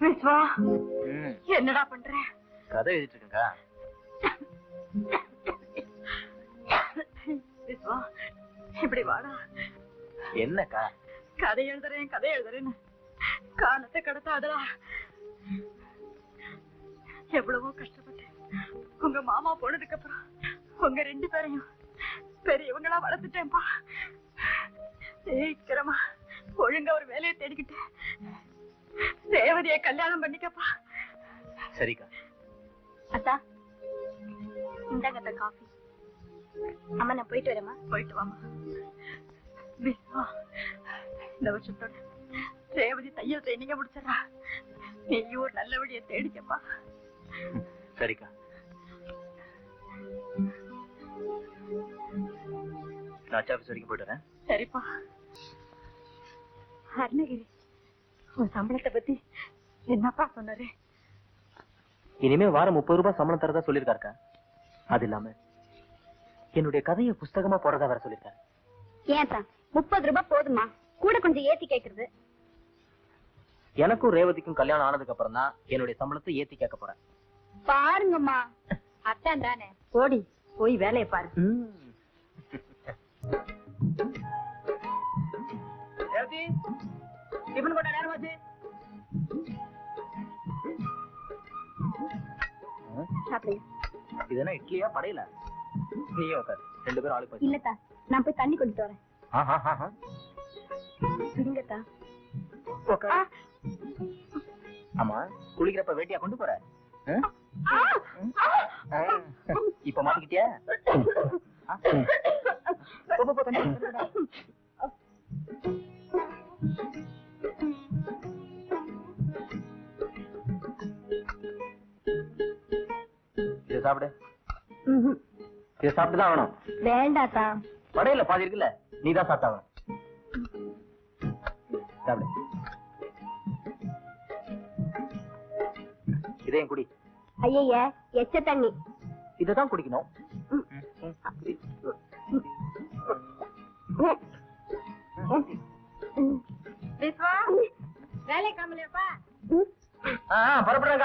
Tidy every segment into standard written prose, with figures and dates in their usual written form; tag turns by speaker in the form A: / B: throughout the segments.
A: விஸ்வா, என்னடா பண்ற?
B: கதை எழுதிட்டு இருக்கா.
A: விஸ்வா, இப்படி வாடா.
B: என்னக்கா?
A: கதை எழுதுறேன்னு காலத்தை கடத்தாதடா. எவ்வளவோ கஷ்டப்பட்டேன். உங்க மாமா போனதுக்கு அப்புறம் உங்க 2 பேரையும் பெரியவங்களா வளர்த்துட்டேன்பா. சீக்கிரமா ஒழுங்கா ஒரு வேலையை தேடிக்கிட்டு ரேவதியை கல்யாணம் பண்ணிக்கப்பா.
B: சரிக்கா.
C: அத்தா, இந்தாங்க காஃபி. அம்மா, நான் போயிட்டு வரேம்மா.
A: போயிட்டு வாமா. விஸ்வா, இந்த வருஷத்தோட ரேவதி தையல் ட்ரைனிங்க முடிச்சிடறா. நீயும் ஒரு நல்ல வழியை தேடிக்கப்பா.
B: சரிக்கா. நான் ஆஃபீஸ் வரைக்கும் போயிட்டு வரேன்.
A: சரிப்பா. அருணகிரி, உன் சம்பளத்தை பத்தி என்னப்பா சொன்னாரு?
B: இனிமே வாரம் 30 ரூபாய் சம்பளம் தரதா சொல்லிருக்காருக்கா. அது இல்லாம என்னுடைய கதையை புஸ்தகமா போறதா வேற சொல்லிருக்காரு.
C: ஏன் தான் 30 ரூபாய் போதுமா? கூட கொஞ்சம் ஏத்தி கேக்குறது.
B: எனக்கும் ரேவதிக்கும் கல்யாணம் ஆனதுக்கு அப்புறம் தான் என்னுடைய சம்பளத்தை ஏத்தி கேட்க போறேன்.
C: பாருங்கம்மா, அத்தான் தானே.
A: ஓடி போய் வேலையை பாரு. ரேவதி, டிபன் போட்ட நேரம் ஆச்சு.
B: இது என்ன இட்லியா படையில? நீயே உட்காரு, 2 பேரும் ஆளுக்கு போய்.
C: இல்லத்தா, நான் போய் தண்ணி கொண்டுட்டு வரேன். இருங்கத்தா.
B: ஆமா, குளிக்கிறப்ப வேட்டியா கொண்டு போற? இப்ப மாட்டிக்கிட்டியா? இதை சாப்பிடு. இதை சாப்பிட்டுதான் ஆகணும்.
C: வேண்டாத்தா.
B: படையில பாதி இருக்குல்ல, நீதான் சாப்பிட்டாகணும். சாப்பிடு. இதையும் குடி.
C: ஐய, எச்ச தண்ணி.
B: இதான் குடிக்கணும்.
A: விஸ்வா, வேலை காமலையாப்பா.
B: பரப்படுறாங்க.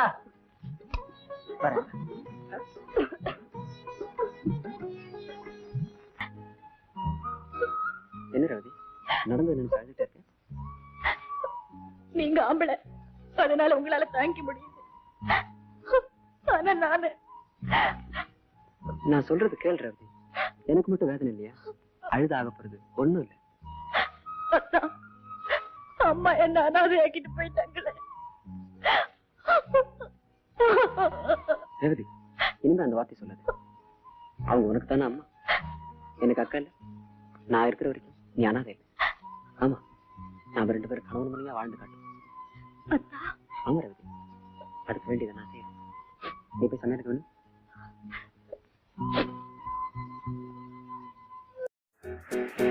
B: என்ன ரவி, நடந்து நின்று அழுதுட்டு இருக்க?
A: நீங்க ஆம்பளை, அதனால உங்களால தாங்கிக்க முடியுது. ஆனா
B: நான் சொல்றது கேள் ரவி. எனக்கு மட்டும் வேதனை இல்லையா? அழுத ஆக போறது ஒண்ணும் இல்ல.
A: அம்மா என்ன அனாதை ஆக்கிட்டு போயிட்டாங்களே.
B: ரேவதி, இனிமே அந்த வார்த்தை சொல்லாது. அவங்க உனக்கு தானே அம்மா, எனக்கு அக்கா இல்ல. நான் இருக்கிற வரைக்கும் நீ அனாதை இல்லை. ஆமா, நாம 2 பேரும் கணவன் மனைவியா வாழ்ந்து காட்டும். ஆமா ரேவதி, அடுக்க வேண்டியதை நான் செய்யறேன். நீ போய் சமையலுக்கு வேணும்.